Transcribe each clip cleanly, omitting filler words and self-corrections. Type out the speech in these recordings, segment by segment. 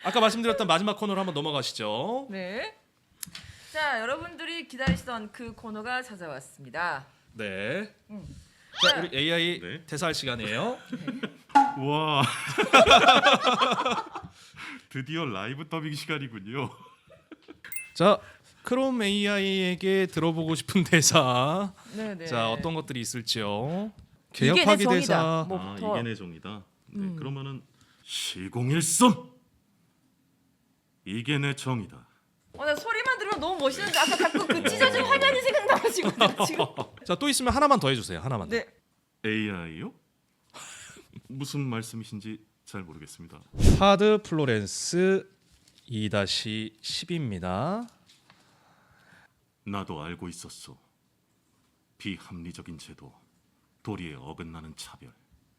아까 말씀드렸던 마지막 코너로 한번 넘어가시죠. 네. 자, 여러분들이 기다리시던 그 코너가 찾아왔습니다. 네. 자, 자, 우리 AI 네. 대사할 시간이에요. 와. 드디어 라이브 더빙 시간이군요. 자, 크롬 AI에게 들어보고 싶은 대사. 네네. 자, 어떤 것들이 있을지요? 이게 내 개혁하기 정이다. 대사. 뭐부터. 이게 내 정이다. 네, 그러면은 시공일섬. 이게 내 정이다. 나 소리만 들으면 너무 멋있는데 아까 자꾸 그 찢어진 화면이 생각나가지고 내가 지금. 자, 또 있으면 하나만 더 해주세요. 하나만 더. 네. AI요? 무슨 말씀이신지 잘 모르겠습니다. 하드 플로렌스 2-10입니다. 나도 알고 있었소. 비합리적인 제도, 도리에 어긋나는 차별.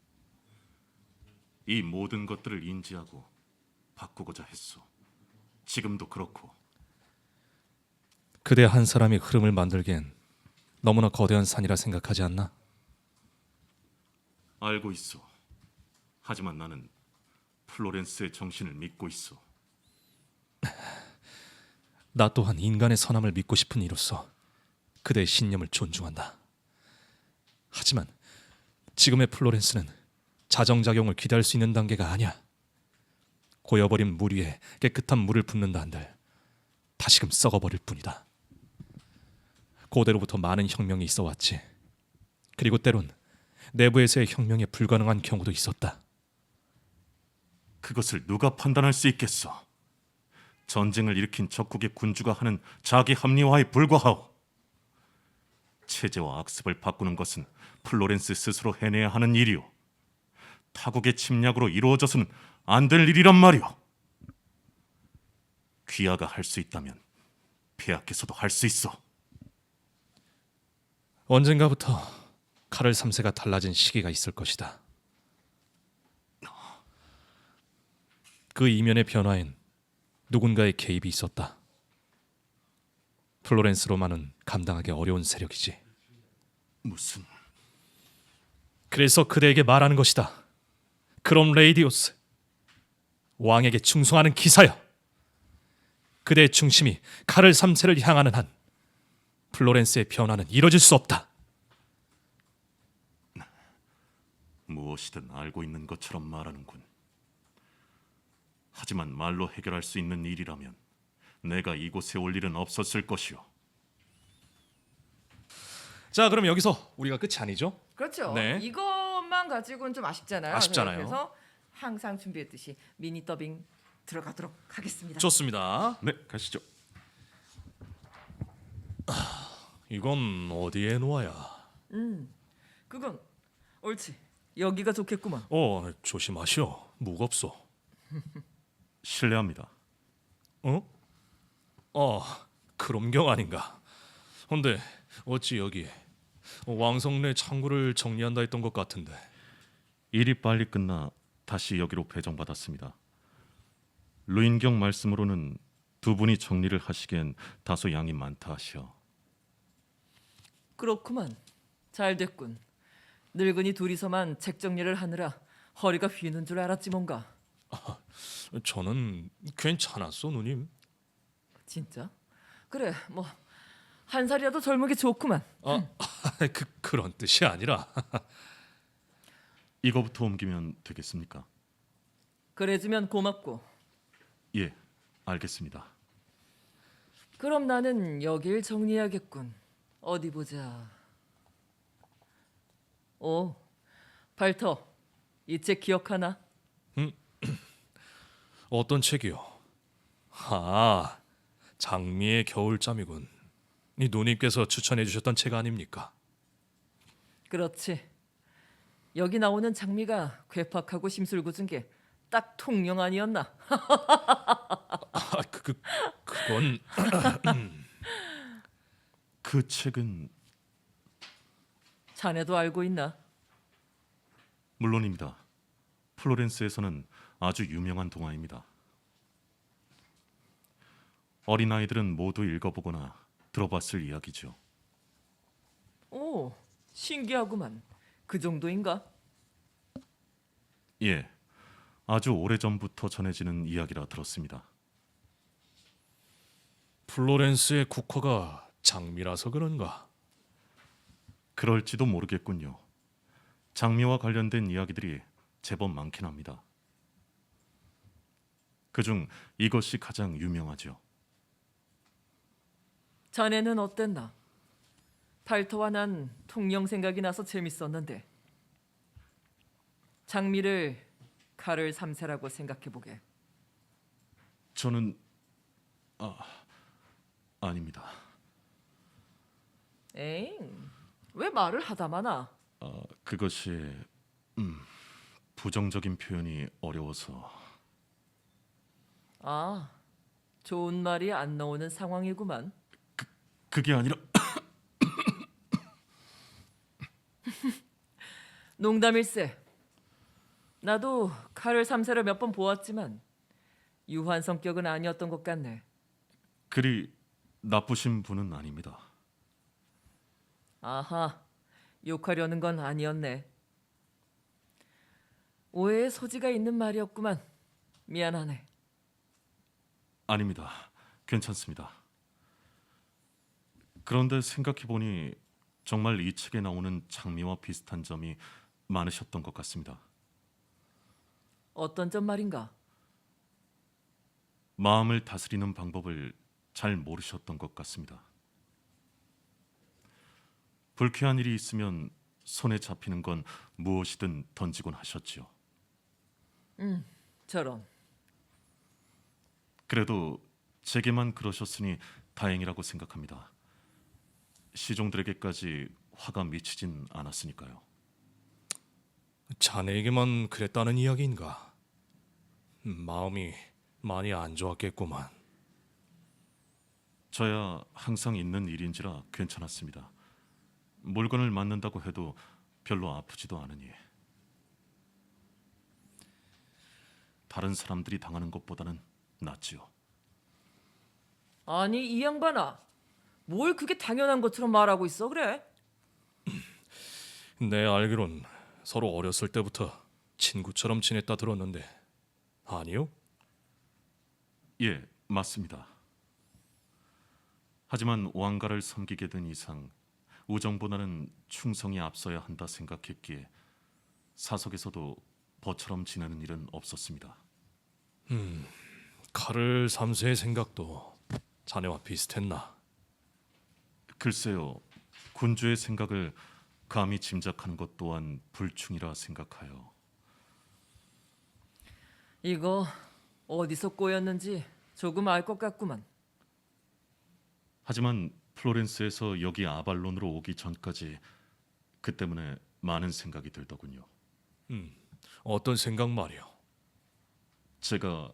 이 모든 것들을 인지하고 바꾸고자 했소. 지금도 그렇고. 그대 한 사람이 흐름을 만들기엔 너무나 거대한 산이라 생각하지 않나? 알고 있소. 하지만 나는 플로렌스의 정신을 믿고 있어. 나 또한 인간의 선함을 믿고 싶은 이로서 그대의 신념을 존중한다. 하지만 지금의 플로렌스는 자정작용을 기대할 수 있는 단계가 아니야. 고여버린 물 위에 깨끗한 물을 붓는다 한들 다시금 썩어버릴 뿐이다. 고대로부터 많은 혁명이 있어왔지. 그리고 때론 내부에서의 혁명에 불가능한 경우도 있었다. 그것을 누가 판단할 수 있겠어? 전쟁을 일으킨 적국의 군주가 하는 자기 합리화에 불과하오. 체제와 악습을 바꾸는 것은 플로렌스 스스로 해내야 하는 일이오. 타국의 침략으로 이루어져서는 안 될 일이란 말이오. 귀하가 할 수 있다면 폐하께서도 할 수 있어. 언젠가부터 카를 3세가 달라진 시기가 있을 것이다. 그 이면의 변화엔 누군가의 개입이 있었다. 플로렌스로만은 감당하기 어려운 세력이지. 무슨... 그래서 그대에게 말하는 것이다. 그럼 레이디오스, 왕에게 충성하는 기사여. 그대의 중심이 카를 3세를 향하는 한 플로렌스의 변화는 이뤄질 수 없다. 무엇이든 알고 있는 것처럼 말하는군. 하지만 말로 해결할 수 있는 일이라면 내가 이곳에 올 일은 없었을 것이오. 자, 그럼 여기서 우리가 끝이 아니죠? 그렇죠. 네. 이것만 가지고는 좀 아쉽잖아요. 아쉽잖아요. 그래서 항상 준비했듯이 미니 더빙 들어가도록 하겠습니다. 좋습니다. 네, 가시죠. 이건 어디에 놓아야? 그건 옳지. 여기가 좋겠구만. 조심하시오. 무겁소. 실례합니다. 그럼경 아닌가. 근데 어찌 여기 왕성내 창구를 정리한다 했던 것 같은데. 일이 빨리 끝나 다시 여기로 배정받았습니다. 루인경 말씀으로는 두 분이 정리를 하시기엔 다소 양이 많다 하시어. 그렇구만. 잘 됐군. 늙은이 둘이서만 책 정리를 하느라 허리가 휘는 줄 알았지 뭔가. 저는 괜찮았어, 누님. 진짜? 그래, 뭐 한 살이라도 젊은 게 좋구만. 그런 뜻이 아니라. 이거부터 옮기면 되겠습니까? 그래주면 고맙고. 예, 알겠습니다. 그럼 나는 여길 정리해야겠군. 어디 보자. 오, 발터. 이 책 기억하나? 어떤 책이요? 장미의 겨울잠이군. 이 누님께서 추천해 주셨던 책 아닙니까? 그렇지. 여기 나오는 장미가 괴팍하고 심술궂은 게 딱 통영 아니었나? 그건 그 책은 자네도 알고 있나? 물론입니다. 플로렌스에서는 아주 유명한 동화입니다. 어린아이들은 모두 읽어보거나 들어봤을 이야기죠. 오, 신기하구만. 그 정도인가? 예, 아주 오래전부터 전해지는 이야기라 들었습니다. 플로렌스의 국화가 장미라서 그런가? 그럴지도 모르겠군요. 장미와 관련된 이야기들이 제법 많긴 합니다. 그중 이것이 가장 유명하죠. 자네는 어땠나? 발터와 난 통영 생각이 나서 재밌었는데 장미를 칼을 3세라고 생각해보게. 저는 아닙니다. 에잉, 왜 말을 하다 마나? 그것이 부정적인 표현이 어려워서. 아, 좋은 말이 안 나오는 상황이구만. 그게 아니라 농담일세. 나도 칼을 3세를 몇 번 보았지만 유한 성격은 아니었던 것 같네. 그리 나쁘신 분은 아닙니다. 아하, 욕하려는 건 아니었네. 오해의 소지가 있는 말이었구만. 미안하네. 아닙니다. 괜찮습니다. 그런데 생각해보니 정말 이 책에 나오는 장미와 비슷한 점이 많으셨던 것 같습니다. 어떤 점 말인가? 마음을 다스리는 방법을 잘 모르셨던 것 같습니다. 불쾌한 일이 있으면 손에 잡히는 건 무엇이든 던지곤 하셨지요. 저런. 그래도 제게만 그러셨으니 다행이라고 생각합니다. 시종들에게까지 화가 미치진 않았으니까요. 자네에게만 그랬다는 이야기인가? 마음이 많이 안 좋았겠구만. 저야 항상 있는 일인지라 괜찮았습니다. 물건을 맞는다고 해도 별로 아프지도 않으니. 다른 사람들이 당하는 것보다는 낫지요. 아니 이 양반아, 뭘 그게 당연한 것처럼 말하고 있어 그래? 내 알기론 서로 어렸을 때부터 친구처럼 지냈다 들었는데 아니요? 예, 맞습니다. 하지만 왕가를 섬기게 된 이상 우정보다는 충성이 앞서야 한다 생각했기에 사석에서도 버처럼 지내는 일은 없었습니다. 칼을 3세의 생각도 자네와 비슷했나? 글쎄요, 군주의 생각을 감히 짐작하는 것 또한 불충이라 생각하여. 이거 어디서 꼬였는지 조금 알 것 같구만. 하지만 플로렌스에서 여기 아발론으로 오기 전까지 그 때문에 많은 생각이 들더군요. 어떤 생각 말이오? 제가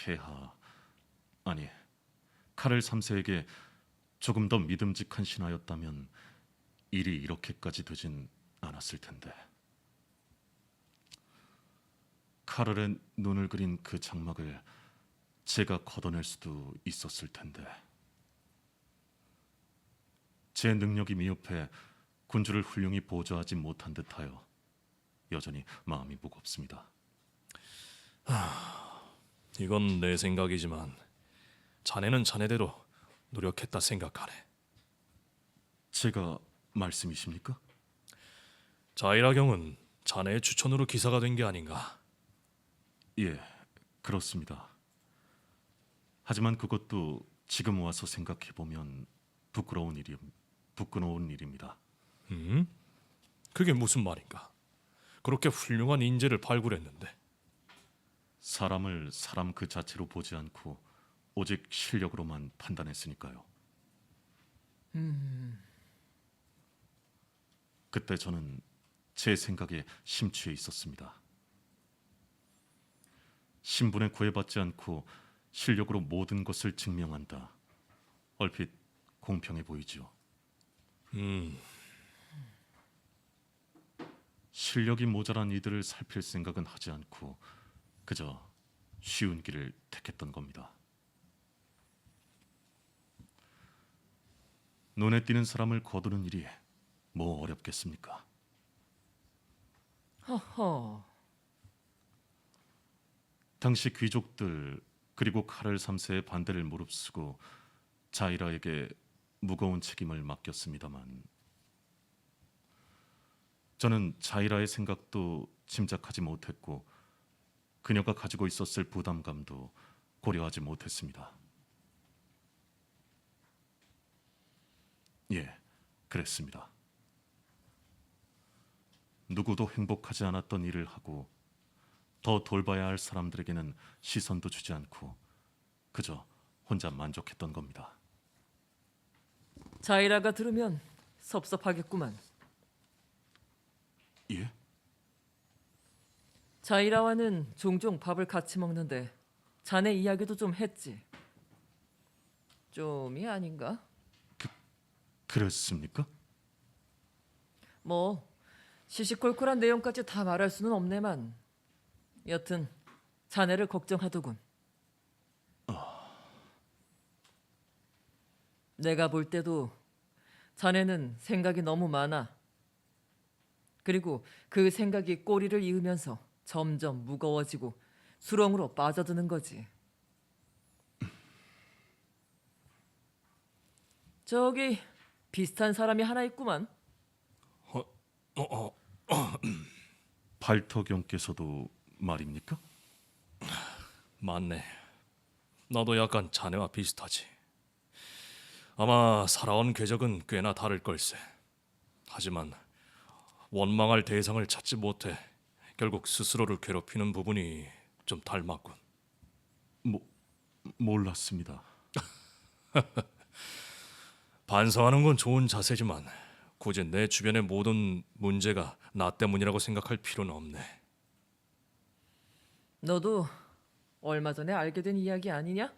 아니 카를 3세에게 조금 더 믿음직한 신하였다면 일이 이렇게까지 되진 않았을 텐데. 카를의 눈을 그린 그 장막을 제가 걷어낼 수도 있었을 텐데. 제 능력이 미흡해 군주를 훌륭히 보좌하지 못한 듯하여 여전히 마음이 무겁습니다. 이건 내 생각이지만 자네는 자네대로 노력했다 생각하네. 제가 말씀이십니까? 자이라경은 자네의 추천으로 기사가 된 게 아닌가? 예, 그렇습니다. 하지만 그것도 지금 와서 생각해 보면 부끄러운 일입니다. 그게 무슨 말인가? 그렇게 훌륭한 인재를 발굴했는데. 사람을 사람 그 자체로 보지 않고 오직 실력으로만 판단했으니까요. 그때 저는 제 생각에 심취해 있었습니다. 신분에 구애받지 않고 실력으로 모든 것을 증명한다. 얼핏 공평해 보이죠. 실력이 모자란 이들을 살필 생각은 하지 않고 그저 쉬운 길을 택했던 겁니다. 눈에 띄는 사람을 거두는 일이 뭐 어렵겠습니까? 허허. 당시 귀족들 그리고 카를 3세의 반대를 무릅쓰고 자이라에게 무거운 책임을 맡겼습니다만 저는 자이라의 생각도 짐작하지 못했고 그녀가 가지고 있었을 부담감도 고려하지 못했습니다. 예, 그랬습니다. 누구도 행복하지 않았던 일을 하고 더 돌봐야 할 사람들에게는 시선도 주지 않고 그저 혼자 만족했던 겁니다. 자이라가 들으면 섭섭하겠구만. 예? 자이라와는 종종 밥을 같이 먹는데 자네 이야기도 좀 했지. 좀이 아닌가? 그랬습니까? 뭐 시시콜콜한 내용까지 다 말할 수는 없네만 여튼 자네를 걱정하더군. 내가 볼 때도 자네는 생각이 너무 많아. 그리고 그 생각이 꼬리를 이으면서 점점 무거워지고 수렁으로 빠져드는 거지. 저기 비슷한 사람이 하나 있구만. 발터경께서도 말입니까? 맞네. 나도 약간 자네와 비슷하지. 아마 살아온 궤적은 꽤나 다를 걸세. 하지만 원망할 대상을 찾지 못해 결국 스스로를 괴롭히는 부분이 좀 닮았군. 몰랐습니다. 반성하는 건 좋은 자세지만 굳이 내 주변의 모든 문제가 나 때문이라고 생각할 필요는 없네. 너도 얼마 전에 알게 된 이야기 아니냐?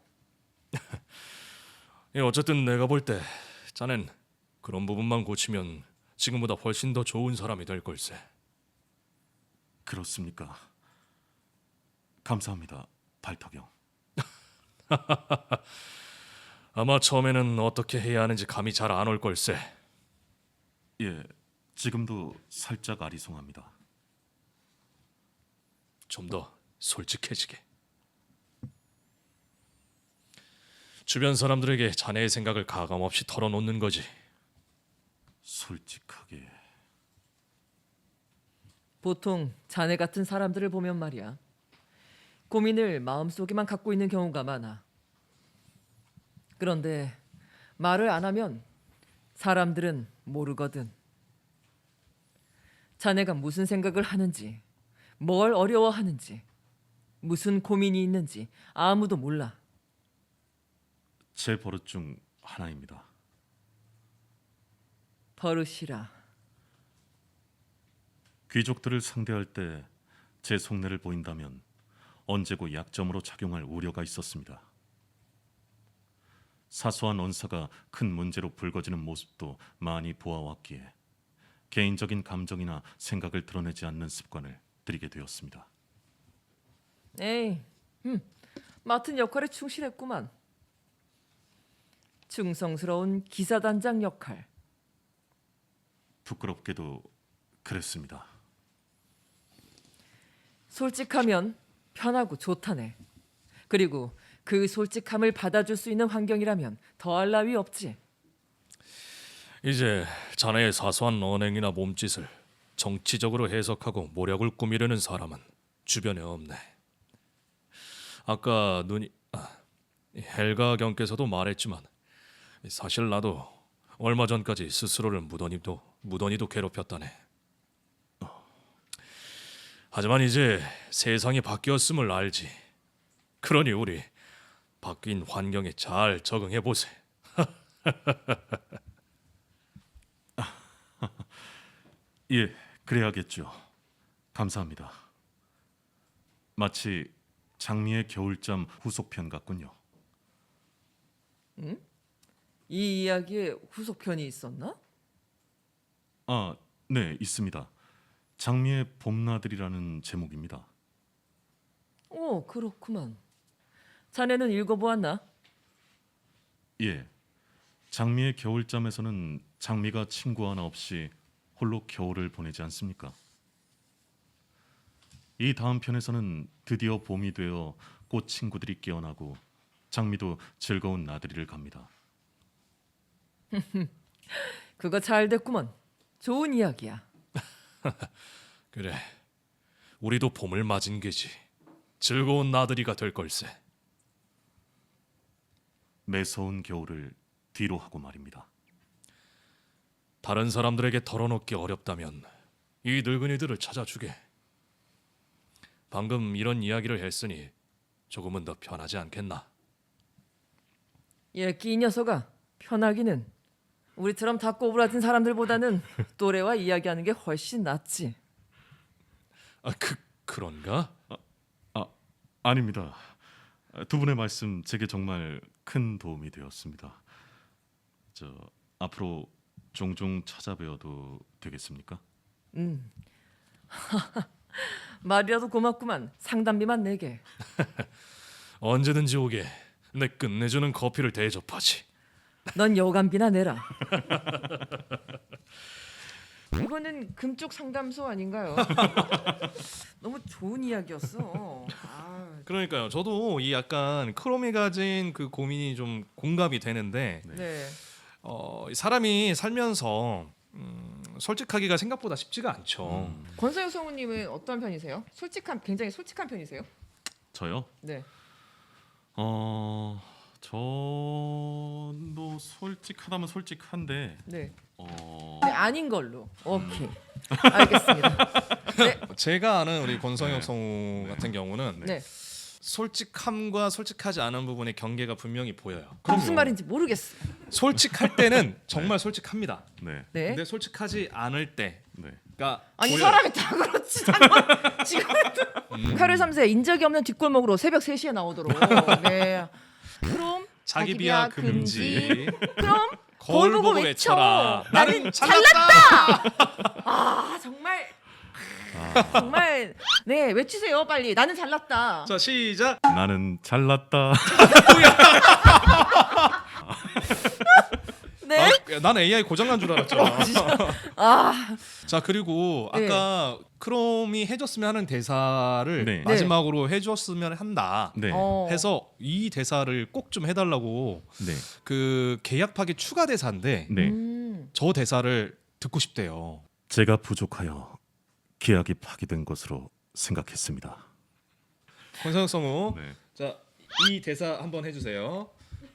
어쨌든 내가 볼 때 자넨 그런 부분만 고치면 지금보다 훨씬 더 좋은 사람이 될 걸세. 그렇습니까? 감사합니다, 발터경. 아마 처음에는 어떻게 해야 하는지 감이 잘 안 올 걸세. 예, 지금도 살짝 아리송합니다. 좀 더 솔직해지게. 주변 사람들에게 자네의 생각을 가감없이 털어놓는 거지. 솔직하게. 보통 자네 같은 사람들을 보면 말이야. 고민을 마음속에만 갖고 있는 경우가 많아. 그런데 말을 안 하면 사람들은 모르거든. 자네가 무슨 생각을 하는지, 뭘 어려워하는지, 무슨 고민이 있는지 아무도 몰라. 제 버릇 중 하나입니다. 버릇이라. 귀족들을 상대할 때 제 속내를 보인다면 언제고 약점으로 작용할 우려가 있었습니다. 사소한 언사가 큰 문제로 불거지는 모습도 많이 보아왔기에 개인적인 감정이나 생각을 드러내지 않는 습관을 들이게 되었습니다. 에이, 맡은 역할에 충실했구만. 충성스러운 기사단장 역할. 부끄럽게도 그랬습니다. 솔직하면 편하고 좋다네. 그리고 그 솔직함을 받아줄 수 있는 환경이라면 더할 나위 없지. 이제 자네의 사소한 언행이나 몸짓을 정치적으로 해석하고 모략을 꾸미려는 사람은 주변에 없네. 아까 헬가 경께서도 말했지만 사실 나도 얼마 전까지 스스로를 무던히도 괴롭혔다네. 하지만 이제 세상이 바뀌었음을 알지. 그러니 우리 바뀐 환경에 잘 적응해 보세. 예, 그래야겠죠. 감사합니다. 마치 장미의 겨울잠 후속편 같군요. 이 이야기에 후속편이 있었나? 아, 네, 있습니다. 장미의 봄나들이라는 제목입니다. 오, 그렇구만. 자네는 읽어보았나? 예, 장미의 겨울잠에서는 장미가 친구 하나 없이 홀로 겨울을 보내지 않습니까? 이 다음 편에서는 드디어 봄이 되어 꽃 친구들이 깨어나고 장미도 즐거운 나들이를 갑니다. 그거 잘 됐구먼. 좋은 이야기야. 그래, 우리도 봄을 맞은 게지. 즐거운 나들이가 될 걸세. 매서운 겨울을 뒤로 하고 말입니다. 다른 사람들에게 털어놓기 어렵다면 이 늙은이들을 찾아주게. 방금 이런 이야기를 했으니 조금은 더 편하지 않겠나? 얘끼 이 녀석아, 편하기는 우리처럼 다 꼬부라진 사람들보다는 또래와 이야기하는 게 훨씬 낫지. 그런가? 아닙니다. 두 분의 말씀 제게 정말 큰 도움이 되었습니다. 앞으로 종종 찾아뵈어도 되겠습니까? 말이라도 고맙구만. 상담비만 내게. 언제든지 오게. 내 끝내주는 커피를 대접하지. 넌 여간비나 내라. 이거는 금쪽 상담소 아닌가요? 너무 좋은 이야기였어. 그러니까요. 저도 이 약간 크롬이 가진 그 고민이 좀 공감이 되는데 네. 사람이 살면서 솔직하기가 생각보다 쉽지가 않죠. 권서영 성우님은 어떤 편이세요? 굉장히 솔직한 편이세요? 저요? 네. 저도 솔직하다면 솔직한데 네. 네, 아닌 걸로. 오케이. 알겠습니다. 네. 제가 아는 우리 권성혁 성우 같은 경우는 네. 솔직함과 솔직하지 않은 부분의 경계가 분명히 보여요. 무슨 말인지 모르겠어. 솔직할 때는 정말 솔직합니다. 네. 네. 근데 솔직하지 않을 때가 네. 아니 보여요. 사람이 다 그렇지. 지금 8월 3세 인적이 없는 뒷골목으로 새벽 3시에 나오도록. 네. 그럼 자기 비하 금지. 그럼 거울 보고 외쳐라. 나는 잘났다. 아 정말 정말 네 외치세요 빨리. 나는 잘났다. 자 시작. 나는 잘났다. 네. 난 AI 고장난 줄 알았잖아. 아 자 그리고 네. 아까 크롬이 해줬으면 하는 대사를 네. 마지막으로 해줬으면 한다. 네. 해서 이 대사를 꼭 좀 해달라고 네. 그 계약 파기 추가 대사인데 네. 저 대사를 듣고 싶대요. 제가 부족하여 계약이 파기된 것으로 생각했습니다. 권상혁 성우. 네. 자 이 대사 한번 해주세요.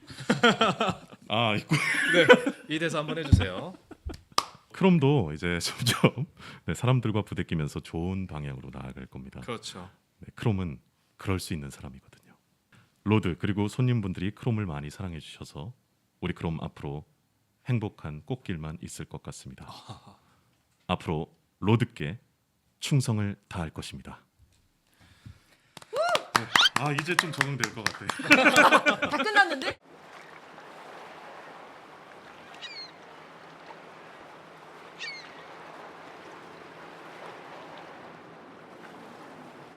있고. 네, 이 대사 한번 해주세요. 크롬도 이제 점점 사람들과 부대끼면서 좋은 방향으로 나아갈 겁니다. 그렇죠. 네, 크롬은 그럴 수 있는 사람이거든요. 로드 그리고 손님분들이 크롬을 많이 사랑해 주셔서 우리 크롬 앞으로 행복한 꽃길만 있을 것 같습니다. 앞으로 로드께 충성을 다할 것입니다. 네. 이제 좀 적응될 것 같아요. 다 끝났는데?